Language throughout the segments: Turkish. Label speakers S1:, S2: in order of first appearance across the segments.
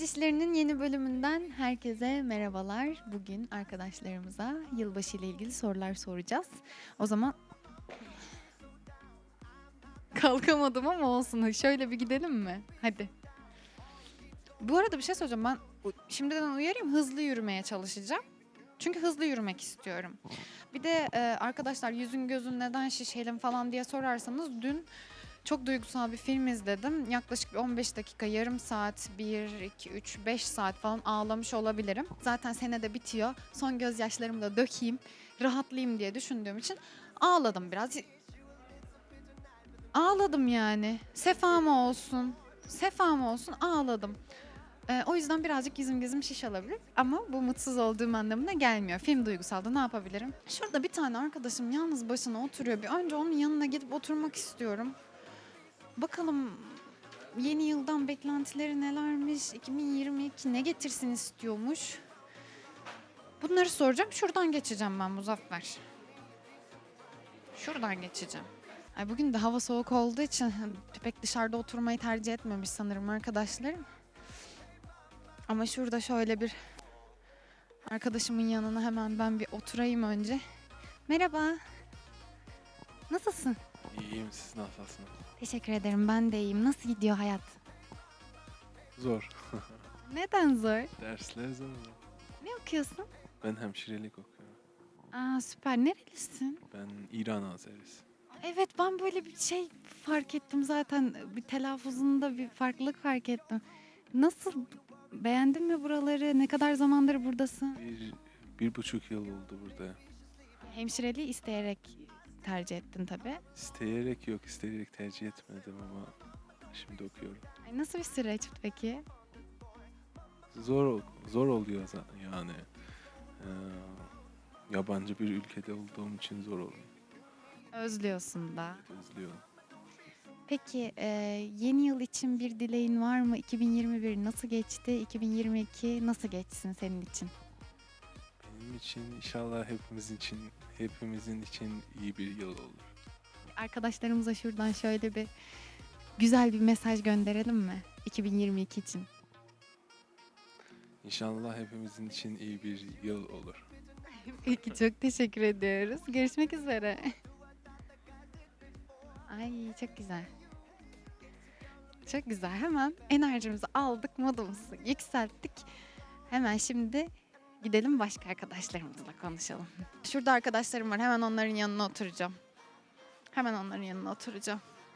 S1: Öğrenci İşleri'nin yeni bölümünden herkese merhabalar. Bugün arkadaşlarımıza yılbaşı ile ilgili sorular soracağız. O zaman kalkamadım ama olsun. Şöyle bir gidelim mi? Hadi. Bu arada bir şey söyleyeceğim. Ben şimdiden uyarayım, hızlı yürümeye çalışacağım. Çünkü hızlı yürümek istiyorum. Bir de arkadaşlar yüzün gözün neden şişelim falan diye sorarsanız dün çok duygusal bir film izledim. Yaklaşık bir 15 dakika, yarım saat, 1, 2, 3, 5 saat falan ağlamış olabilirim. Zaten sene de bitiyor. Son gözyaşlarımı da dökeyim, rahatlayayım diye düşündüğüm için ağladım biraz. Ağladım yani. Sefama olsun. Sefama olsun ağladım. O yüzden birazcık yüzüm gözüm şiş olabilir. Ama bu mutsuz olduğum anlamına gelmiyor. Film duygusaldı, ne yapabilirim? Şurada bir tane arkadaşım yalnız başına oturuyor. Bir önce onun yanına gidip oturmak istiyorum. Bakalım yeni yıldan beklentileri nelermiş, 2022 ne getirsin istiyormuş. Bunları soracağım. Şuradan geçeceğim ben Muzaffer. Şuradan geçeceğim. Ay bugün de hava soğuk olduğu için pek dışarıda oturmayı tercih etmemiş sanırım arkadaşlarım. Ama şurada şöyle bir arkadaşımın yanına hemen ben bir oturayım önce. Merhaba. Nasılsın?
S2: İyiyim, siz nasılsınız?
S1: Teşekkür ederim, ben de iyiyim. Nasıl gidiyor hayat?
S2: Zor.
S1: Neden zor?
S2: Dersler zor.
S1: Ne okuyorsun?
S2: Ben hemşirelik okuyorum.
S1: Aa süper. Nerelisin?
S2: Ben İran Azerisi.
S1: Evet, ben böyle bir şey fark ettim zaten. Bir telaffuzunda bir farklılık fark ettim. Nasıl? Beğendin mi buraları? Ne kadar zamandır buradasın?
S2: 1,5 yıl oldu burada.
S1: Hemşireliği isteyerek tercih ettin tabii.
S2: İsteyerek yok, isteyerek tercih etmedim ama şimdi okuyorum.
S1: Ay, nasıl bir süreç peki?
S2: Zor oluyor yani. Ee, Yabancı bir ülkede olduğum için zor oluyor.
S1: Özlüyorsun da.
S2: Özlüyorum.
S1: Peki yeni yıl için bir dileğin var mı? 2021 nasıl geçti? 2022 nasıl geçsin senin için?
S2: Benim için inşallah hepimizin için iyi bir yıl olur.
S1: Arkadaşlarımıza şuradan şöyle bir güzel bir mesaj gönderelim mi? 2022 için.
S2: İnşallah hepimizin için iyi bir yıl olur.
S1: Peki çok teşekkür ediyoruz. Görüşmek üzere. Ay çok güzel. Çok güzel. Hemen enerjimizi aldık, modumuzu yükselttik. Hemen şimdi gidelim başka arkadaşlarımızla konuşalım. Şurada arkadaşlarım var. Hemen onların yanına oturacağım. Hemen onların yanına oturacağım.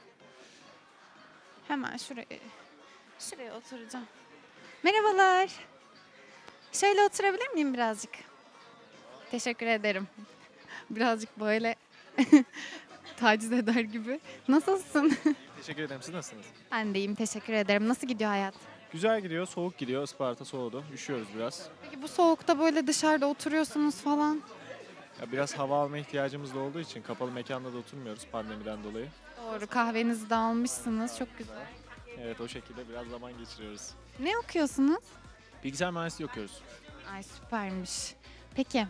S1: Hemen şuraya oturacağım. Merhabalar. Şöyle oturabilir miyim birazcık? Teşekkür ederim. Birazcık böyle taciz eder gibi. Nasılsın?
S3: Teşekkür ederim. Siz nasılsınız?
S1: Ben de iyiyim, teşekkür ederim. Nasıl gidiyor hayat?
S3: Güzel gidiyor. Soğuk gidiyor. Isparta soğudu. Üşüyoruz biraz.
S1: Peki bu soğukta böyle dışarıda oturuyorsunuz falan.
S3: Ya biraz hava alma ihtiyacımız da olduğu için kapalı mekanda da oturmuyoruz pandemiden dolayı.
S1: Doğru, kahvenizi de almışsınız. Çok güzel.
S3: Evet, o şekilde biraz zaman geçiriyoruz.
S1: Ne okuyorsunuz?
S3: Bilgisayar mühendisliği okuyoruz.
S1: Ay süpermiş. Peki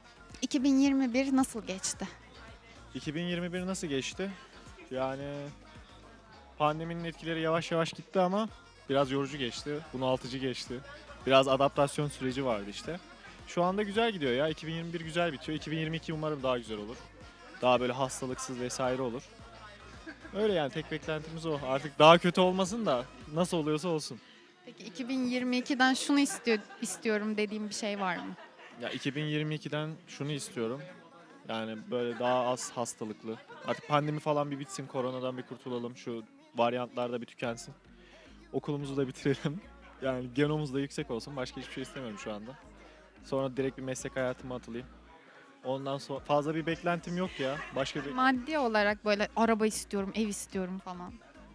S1: 2021 nasıl geçti?
S3: 2021 nasıl geçti? Yani pandeminin etkileri yavaş yavaş gitti ama biraz yorucu geçti. Bunaltıcı geçti. Biraz adaptasyon süreci vardı işte. Şu anda güzel gidiyor ya. 2021 güzel bitiyor. 2022 umarım daha güzel olur. Daha böyle hastalıksız vesaire olur. Öyle yani, tek beklentimiz o. Artık daha kötü olmasın da nasıl oluyorsa olsun.
S1: Peki 2022'den şunu istiyorum dediğim bir şey var mı?
S3: Ya 2022'den şunu istiyorum. Yani böyle daha az hastalıklı. Artık pandemi falan bir bitsin, koronadan bir kurtulalım. Şu varyantlar da bir tükensin. Okulumuzu da bitirelim. Yani genomuz da yüksek olsun. Başka hiçbir şey istemiyorum şu anda. Sonra direkt bir meslek hayatıma atılayım. Ondan sonra fazla bir beklentim yok ya. Başka bir
S1: Maddi olarak böyle araba istiyorum, ev istiyorum falan.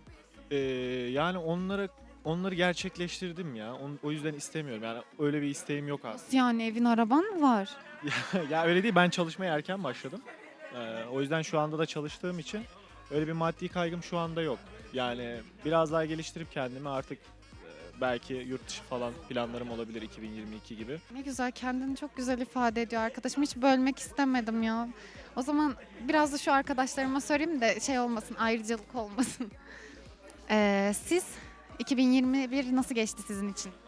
S3: Yani onları gerçekleştirdim ya. O yüzden istemiyorum. Yani öyle bir isteğim yok aslında.
S1: Nasıl yani, evin araban mı var?
S3: Ya öyle değil. Ben çalışmaya erken başladım. O yüzden şu anda da çalıştığım için öyle bir maddi kaygım şu anda yok. Yani biraz daha geliştirip kendimi artık belki yurt dışı falan planlarım olabilir 2022 gibi.
S1: Ne güzel, kendini çok güzel ifade ediyor arkadaşım. Hiç bölmek istemedim ya. O zaman biraz da şu arkadaşlarıma sorayım da şey olmasın, ayrıcalık olmasın. Siz 2021 nasıl geçti sizin için?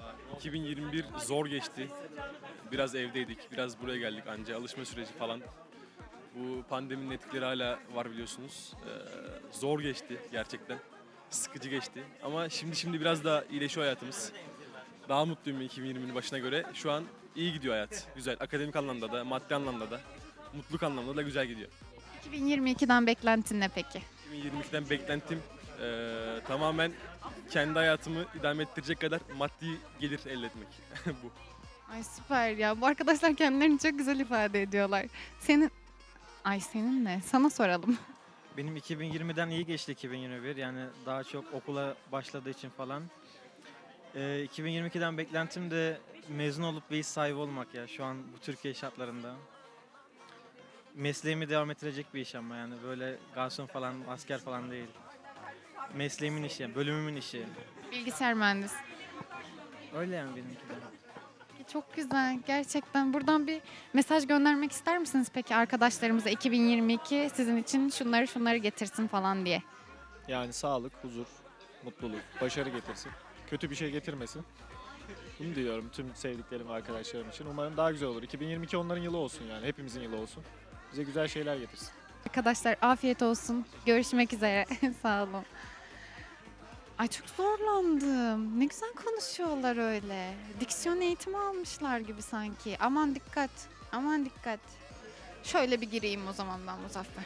S4: 2021 zor geçti. Biraz evdeydik, biraz buraya geldik anca alışma süreci falan. Bu pandeminin etkileri hala var biliyorsunuz. Zor geçti gerçekten. Sıkıcı geçti. Ama şimdi biraz daha iyileşiyor hayatımız. Daha mutluyum 2020'nin başına göre. Şu an iyi gidiyor hayat. Güzel. Akademik anlamda da, maddi anlamda da, mutluluk anlamda da güzel gidiyor.
S1: 2022'den beklentin ne peki?
S4: 2022'den beklentim tamamen kendi hayatımı idame ettirecek kadar maddi gelir elde etmek. Bu.
S1: Ay süper ya. Bu arkadaşlar kendilerini çok güzel ifade ediyorlar. Senin ne? Sana soralım.
S5: Benim 2020'den iyi geçti 2021. Yani daha çok okula başladığı için falan. 2022'den beklentim de mezun olup bir iş sahibi olmak ya şu an bu Türkiye şartlarında. Mesleğimi devam ettirecek bir iş ama yani böyle garson falan, asker falan değil. Mesleğimin işi, yani bölümümün işi.
S1: Bilgisayar mühendisi.
S5: Öyle yani benimki de.
S1: Çok güzel. Gerçekten buradan bir mesaj göndermek ister misiniz peki arkadaşlarımıza 2022 sizin için şunları getirsin falan diye.
S3: Yani sağlık, huzur, mutluluk, başarı getirsin. Kötü bir şey getirmesin. Bunu diliyorum tüm sevdiklerim ve arkadaşlarım için. Umarım daha güzel olur. 2022 onların yılı olsun yani. Hepimizin yılı olsun. Bize güzel şeyler getirsin.
S1: Arkadaşlar afiyet olsun. Görüşmek üzere. Sağ olun. Ay çok zorlandım. Ne güzel konuşuyorlar öyle. Diksiyon eğitimi almışlar gibi sanki. Aman dikkat. Aman dikkat. Şöyle bir gireyim o zaman ben Muzaffer.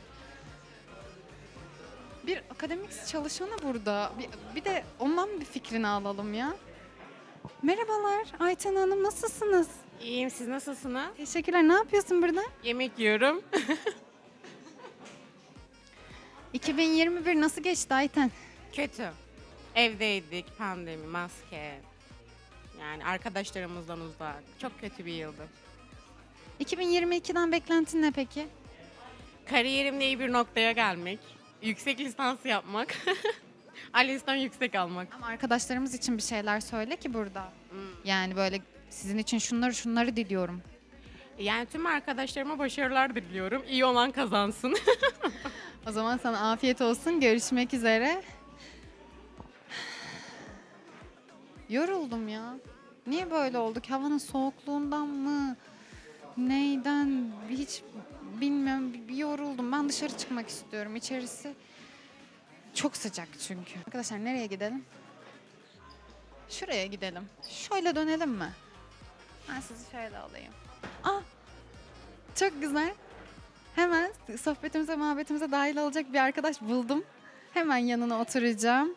S1: Bir akademik çalışanı burada. Bir de ondan bir fikrini alalım ya. Merhabalar Ayten Hanım, nasılsınız?
S6: İyiyim, siz nasılsınız?
S1: Teşekkürler. Ne yapıyorsun burada?
S6: Yemek yiyorum.
S1: 2021 nasıl geçti Ayten?
S6: Kötü. Evdeydik, pandemi, maske. Yani arkadaşlarımızdan uzak. Çok kötü bir yıldı.
S1: 2022'den beklentin ne peki?
S6: Kariyerimde iyi bir noktaya gelmek. Yüksek lisans yapmak. ALES'ten yüksek almak.
S1: Ama arkadaşlarımız için bir şeyler söyle ki burada.
S6: Hmm.
S1: Yani böyle sizin için şunları diliyorum.
S6: Yani tüm arkadaşlarıma başarılar diliyorum. İyi olan kazansın.
S1: O zaman sana afiyet olsun. Görüşmek üzere. Yoruldum ya. Niye böyle olduk? Havanın soğukluğundan mı? Neyden? Hiç bilmiyorum. Bir yoruldum. Ben dışarı çıkmak istiyorum. İçerisi çok sıcak çünkü. Arkadaşlar nereye gidelim? Şuraya gidelim. Şöyle dönelim mi? Ben sizi şöyle alayım. Ah! Çok güzel. Hemen sohbetimize, muhabbetimize dahil olacak bir arkadaş buldum. Hemen yanına oturacağım.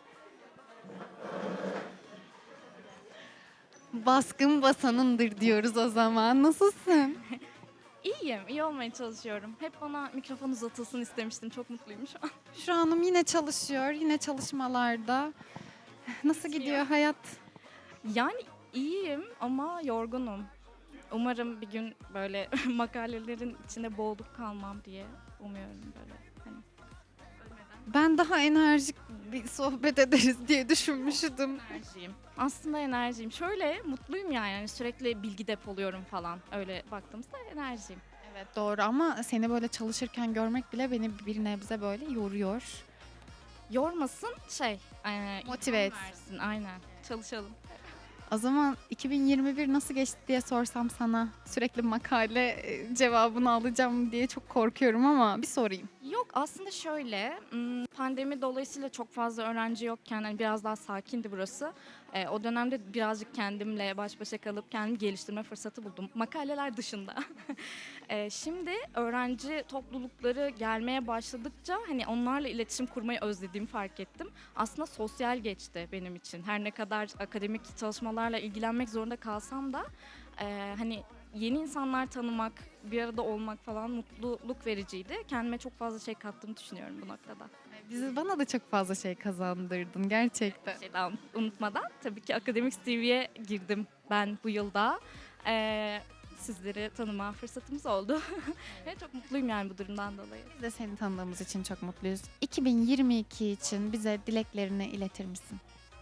S1: Baskın basanındır diyoruz o zaman. Nasılsın?
S7: İyiyim, iyi olmaya çalışıyorum. Hep bana mikrofon uzatılsın istemiştim. Çok mutluyum şu an.
S1: Şu anım yine çalışıyor, yine çalışmalarda. Nasıl gidiyor hayat?
S7: Yani iyiyim ama yorgunum. Umarım bir gün böyle makalelerin içinde boğulup kalmam diye umuyorum böyle. Hani
S1: Ben daha enerjik bir sohbet ederiz diye düşünmüştüm.
S7: enerjiyim. Aslında enerjiyim. Şöyle mutluyum yani. Hani sürekli bilgi depoluyorum falan. Öyle baktığımızda enerjiyim.
S1: Evet doğru ama seni böyle çalışırken görmek bile beni bir nebze böyle yoruyor.
S7: Yormasın
S1: Motive
S7: ilham
S1: etsin.
S7: versin. Aynen. Çalışalım.
S1: O zaman 2021 nasıl geçti diye sorsam sana sürekli makale cevabını alacağım diye çok korkuyorum ama bir sorayım.
S7: Yok aslında şöyle pandemi dolayısıyla çok fazla öğrenci yokken hani biraz daha sakindi burası. O dönemde birazcık kendimle baş başa kalıp kendimi geliştirme fırsatı buldum. Makaleler dışında. Şimdi öğrenci toplulukları gelmeye başladıkça hani onlarla iletişim kurmayı özlediğimi fark ettim. Aslında sosyal geçti benim için. Her ne kadar akademik çalışmalarla ilgilenmek zorunda kalsam da hani yeni insanlar tanımak, bir arada olmak falan mutluluk vericiydi. Kendime çok fazla şey kattığımı düşünüyorum bu noktada.
S1: Bana da çok fazla şey kazandırdın gerçekten.
S7: Bir şey daha unutmadan tabii ki Akademik TV'ye girdim ben bu yılda. Sizleri tanıma fırsatımız oldu. Ve çok mutluyum yani bu durumdan dolayı.
S1: Biz de seni tanıdığımız için çok mutluyuz. 2022 için bize dileklerini iletir misin?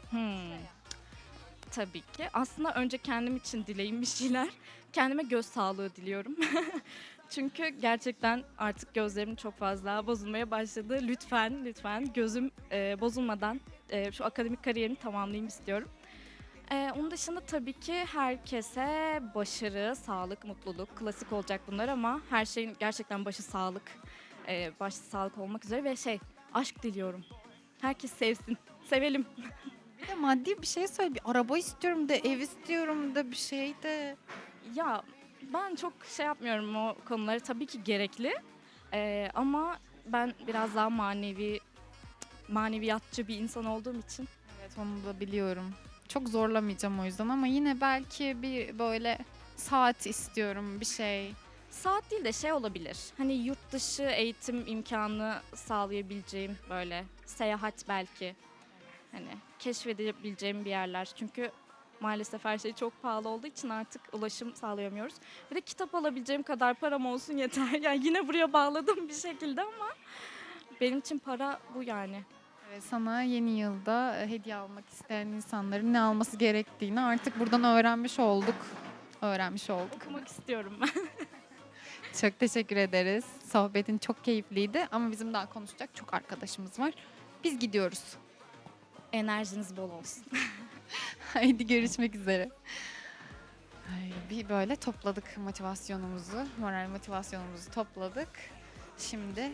S7: Tabii ki. Aslında önce kendim için dileyim bir şeyler. Kendime göz sağlığı diliyorum. Çünkü gerçekten artık gözlerim çok fazla bozulmaya başladı. Lütfen gözüm bozulmadan şu akademik kariyerimi tamamlayayım istiyorum. Onun dışında tabii ki herkese başarı, sağlık, mutluluk, klasik olacak bunlar ama her şeyin gerçekten başı sağlık. Başta sağlık olmak üzere ve aşk diliyorum. Herkes sevsin, sevelim.
S1: Bir de maddi bir şey söyle. Bir araba istiyorum da, ev istiyorum da, bir şey de.
S7: Ya ben çok yapmıyorum o konuları. Tabii ki gerekli. Ama ben biraz daha maneviyatçı bir insan olduğum için.
S1: Evet, onu da biliyorum. Çok zorlamayacağım o yüzden ama yine belki bir böyle saat istiyorum, bir şey.
S7: Saat değil de olabilir. Hani yurt dışı eğitim imkanı sağlayabileceğim böyle seyahat belki. Hani keşfedebileceğim bir yerler. Çünkü maalesef her şey çok pahalı olduğu için artık ulaşım sağlayamıyoruz. Bir de kitap alabileceğim kadar param olsun yeter. Yani yine buraya bağladım bir şekilde ama benim için para bu yani.
S1: Evet, sana yeni yılda hediye almak isteyen insanların ne alması gerektiğini artık buradan öğrenmiş olduk.
S7: Okumak istiyorum ben.
S1: Çok teşekkür ederiz. Sohbetin çok keyifliydi ama bizim daha konuşacak çok arkadaşımız var. Biz gidiyoruz.
S7: Enerjiniz bol olsun.
S1: Haydi görüşmek üzere. Bir böyle topladık motivasyonumuzu, moral motivasyonumuzu topladık. Şimdi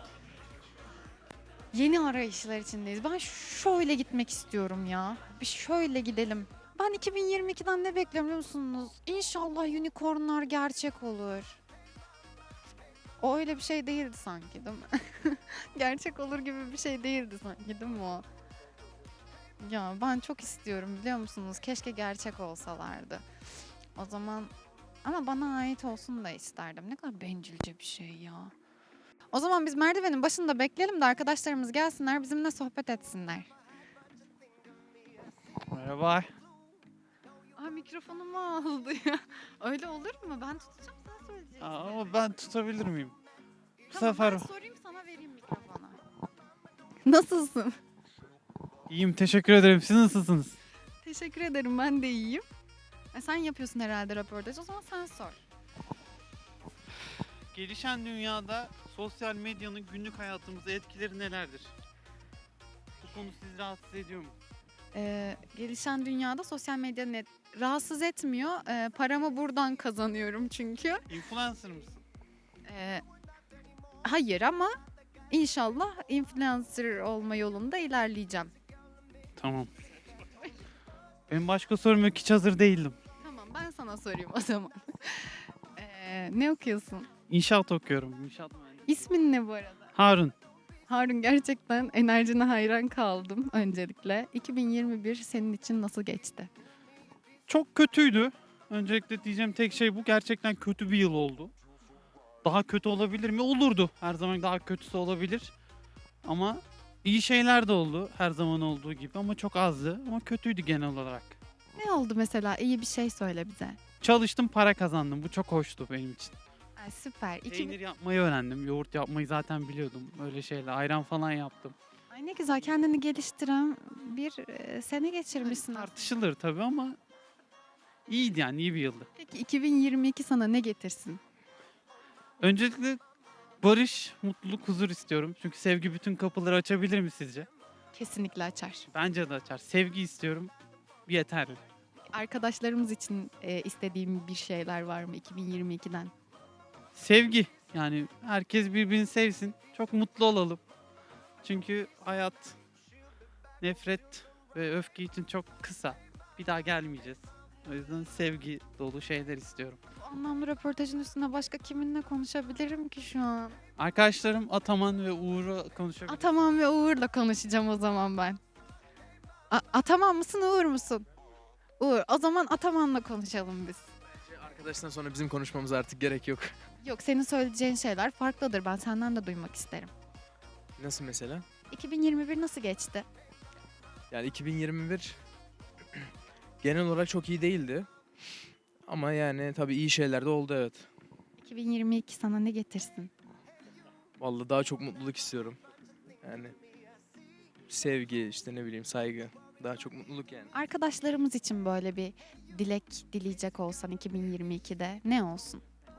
S1: yeni arayışlar içindeyiz. Ben şöyle gitmek istiyorum ya. Bir şöyle gidelim. Ben 2022'den ne bekliyorum biliyor musunuz? İnşallah unicornlar gerçek olur. O öyle bir şey değildi sanki, değil mi? Gerçek olur gibi bir şey değildi sanki, değil mi o? Ya ben çok istiyorum biliyor musunuz? Keşke gerçek olsalardı. O zaman ama bana ait olsun da isterdim. Ne kadar bencilce bir şey ya. O zaman biz merdivenin başında bekleyelim de arkadaşlarımız gelsinler, bizimle sohbet etsinler.
S8: Merhaba.
S1: Aa, mikrofonumu aldı ya. Öyle olur mu? Ben tutacağım, sen söyleyeceksin.
S8: Ama ben tutabilir miyim? Bu
S1: Tamam,
S8: sefer
S1: ben sorayım, sana vereyim mikrofonu. Nasılsın?
S8: iyiyim, teşekkür ederim. Siz nasılsınız?
S1: Teşekkür ederim, ben de iyiyim. Sen yapıyorsun herhalde röportaj, o zaman sen sor.
S8: Gelişen dünyada sosyal medyanın günlük hayatımıza etkileri nelerdir? Bu konu sizi rahatsız ediyor mu?
S1: Gelişen dünyada sosyal medya rahatsız etmiyor. Paramı buradan kazanıyorum çünkü.
S8: Influencer mısın?
S1: Hayır ama inşallah influencer olma yolunda ilerleyeceğim.
S8: Tamam. Benim başka sorum yok, hiç hazır değildim.
S1: Tamam, ben sana sorayım o zaman. Ne okuyorsun?
S8: İnşaat okuyorum. İnşaat mühendisi.
S1: İsmin ne bu arada?
S8: Harun.
S1: Harun, gerçekten enerjine hayran kaldım öncelikle. 2021 senin için nasıl geçti?
S8: Çok kötüydü. Öncelikle diyeceğim tek şey bu. Gerçekten kötü bir yıl oldu. Daha kötü olabilir mi? Olurdu. Her zaman daha kötüsü olabilir. Ama iyi şeyler de oldu. Her zaman olduğu gibi ama çok azdı. Ama kötüydü genel olarak.
S1: Ne oldu mesela? İyi bir şey söyle bize.
S8: Çalıştım, para kazandım. Bu çok hoştu benim için.
S1: Ay, süper.
S8: Peynir yapmayı öğrendim. Yoğurt yapmayı zaten biliyordum. Öyle şeyler. Ayran falan yaptım.
S1: Ay, ne güzel, kendini geliştiren bir sene geçirmişsin.
S8: Tartışılır tabii ama iyiydi yani, iyi bir yıldı.
S1: Peki 2022 sana ne getirsin?
S8: Öncelikle barış, mutluluk, huzur istiyorum. Çünkü sevgi bütün kapıları açabilir mi sizce?
S1: Kesinlikle açar.
S8: Bence de açar. Sevgi istiyorum. Yeterli.
S1: Arkadaşlarımız için istediğim bir şeyler var mı 2022'den?
S8: Sevgi. Yani herkes birbirini sevsin. Çok mutlu olalım. Çünkü hayat nefret ve öfke için çok kısa. Bir daha gelmeyeceğiz. O yüzden sevgi dolu şeyler istiyorum.
S1: Bu anlamlı röportajın üstüne başka kiminle konuşabilirim ki şu an?
S8: Arkadaşlarım Ataman ve Uğur'u konuşabiliriz.
S1: Ataman ve Uğur'la konuşacağım o zaman ben. Ataman mısın, Uğur musun? Uğur. O zaman Ataman'la konuşalım biz.
S9: Arkadaştan sonra bizim konuşmamıza artık gerek yok.
S1: Yok, senin söyleyeceğin şeyler farklıdır. Ben senden de duymak isterim.
S9: Nasıl mesela?
S1: 2021 nasıl geçti?
S9: Yani 2021 genel olarak çok iyi değildi. Ama yani tabii iyi şeyler de oldu, evet.
S1: 2022 sana ne getirsin?
S9: Vallahi daha çok mutluluk istiyorum. Yani sevgi, işte ne bileyim, saygı. Daha çok mutluluk yani.
S1: Arkadaşlarımız için böyle bir dilek dileyecek olsan 2022'de ne olsun?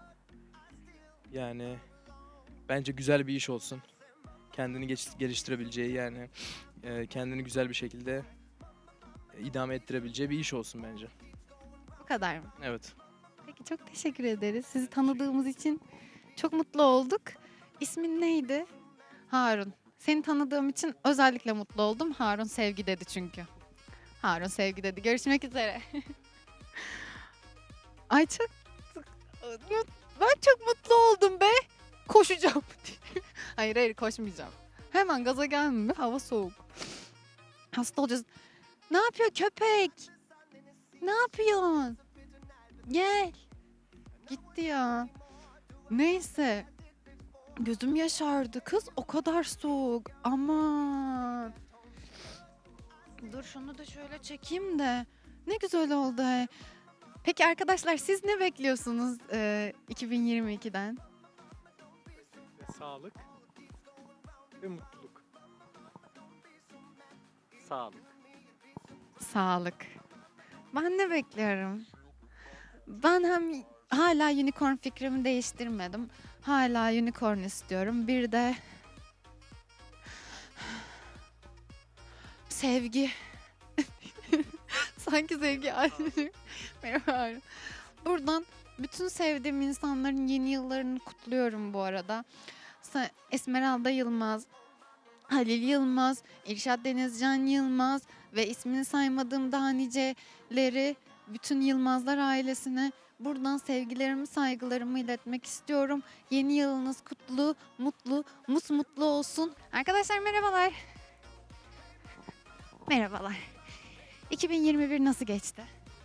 S9: Yani bence güzel bir iş olsun. Kendini geliştirebileceği, yani kendini güzel bir şekilde idame ettirebileceği bir iş olsun bence.
S1: Bu kadar mı?
S9: Evet.
S1: Peki çok teşekkür ederiz. Sizi tanıdığımız için çok mutlu olduk. İsmin neydi? Harun. Seni tanıdığım için özellikle mutlu oldum. Harun sevgi dedi çünkü. Harun sevgi dedi. Görüşmek üzere. Ay çok... Ben çok mutlu oldum be. Koşacağım. Hayır koşmayacağım. Hemen gaza gelme. Hava soğuk. Hasta olacağız. Ne yapıyor köpek? Ne yapıyorsun? Gel. Gitti ya. Neyse. Gözüm yaşardı. Kız o kadar soğuk. Aman. Dur şunu da şöyle çekeyim de. Ne güzel oldu. Peki arkadaşlar siz ne bekliyorsunuz 2022'den?
S3: Sağlık ve mutluluk. Sağlık.
S1: Sağlık. Ben ne bekliyorum? Ben hem hala unicorn fikrimi değiştirmedim. Hala unicorn istiyorum. Bir de sevgi. Sanki sevgi. Merhaba. Buradan bütün sevdiğim insanların yeni yıllarını kutluyorum bu arada. Esmeralda Yılmaz, Halil Yılmaz, İrşad Denizcan Yılmaz ve ismini saymadığım daha niceleri, bütün Yılmazlar ailesine buradan sevgilerimi, saygılarımı iletmek istiyorum. Yeni yılınız kutlu, mutlu, musmutlu olsun. Arkadaşlar merhabalar. Merhabalar. 2021 nasıl geçti?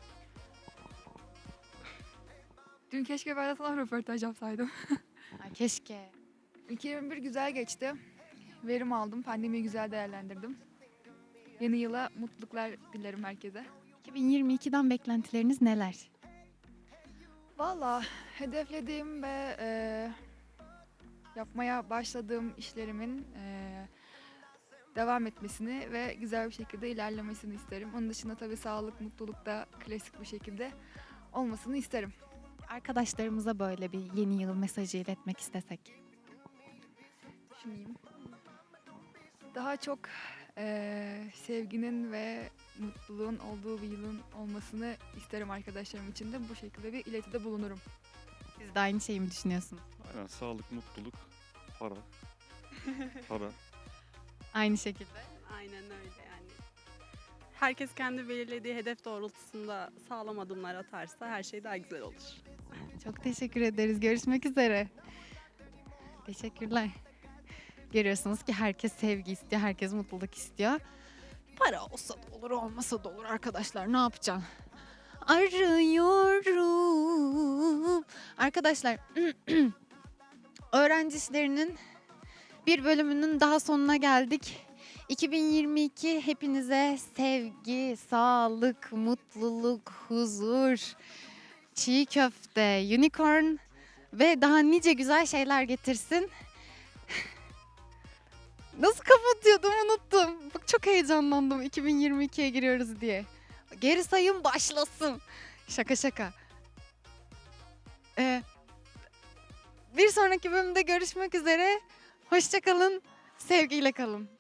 S10: Dün keşke ben de sana röportaj yapsaydım.
S1: Ay keşke.
S10: 2021 güzel geçti. Verim aldım. Pandemiyi güzel değerlendirdim. Yeni yıla mutluluklar dilerim herkese.
S1: 2022'den beklentileriniz neler?
S10: Valla hedeflediğim ve yapmaya başladığım işlerimin devam etmesini ve güzel bir şekilde ilerlemesini isterim. Onun dışında tabii sağlık, mutluluk da klasik bir şekilde olmasını isterim.
S1: Arkadaşlarımıza böyle bir yeni yıl mesajı iletmek istesek.
S10: Düşüneyim. Daha çok sevginin ve mutluluğun olduğu bir yılın olmasını isterim arkadaşlarım için de. Bu şekilde bir iletide bulunurum.
S1: Siz de aynı şeyi mi düşünüyorsunuz?
S11: Aynen sağlık, mutluluk, para. Para.
S1: Aynı şekilde.
S12: Aynen öyle yani. Herkes kendi belirlediği hedef doğrultusunda sağlam adımlar atarsa her şey daha güzel olur.
S1: Çok teşekkür ederiz. Görüşmek üzere. Teşekkürler. Görüyorsunuz ki herkes sevgi istiyor, herkes mutluluk istiyor. Para olsa da olur, olmasa da olur arkadaşlar. Ne yapacağım? Arıyorum. Arkadaşlar, öğrenci işlerinin bir bölümünün daha sonuna geldik. 2022 hepinize sevgi, sağlık, mutluluk, huzur, çiğ köfte, unicorn ve daha nice güzel şeyler getirsin. Nasıl kapatıyordum unuttum. Bak çok heyecanlandım 2022'ye giriyoruz diye. Geri sayım başlasın. Şaka şaka. Bir sonraki bölümde görüşmek üzere. Hoşça kalın. Sevgiyle kalın.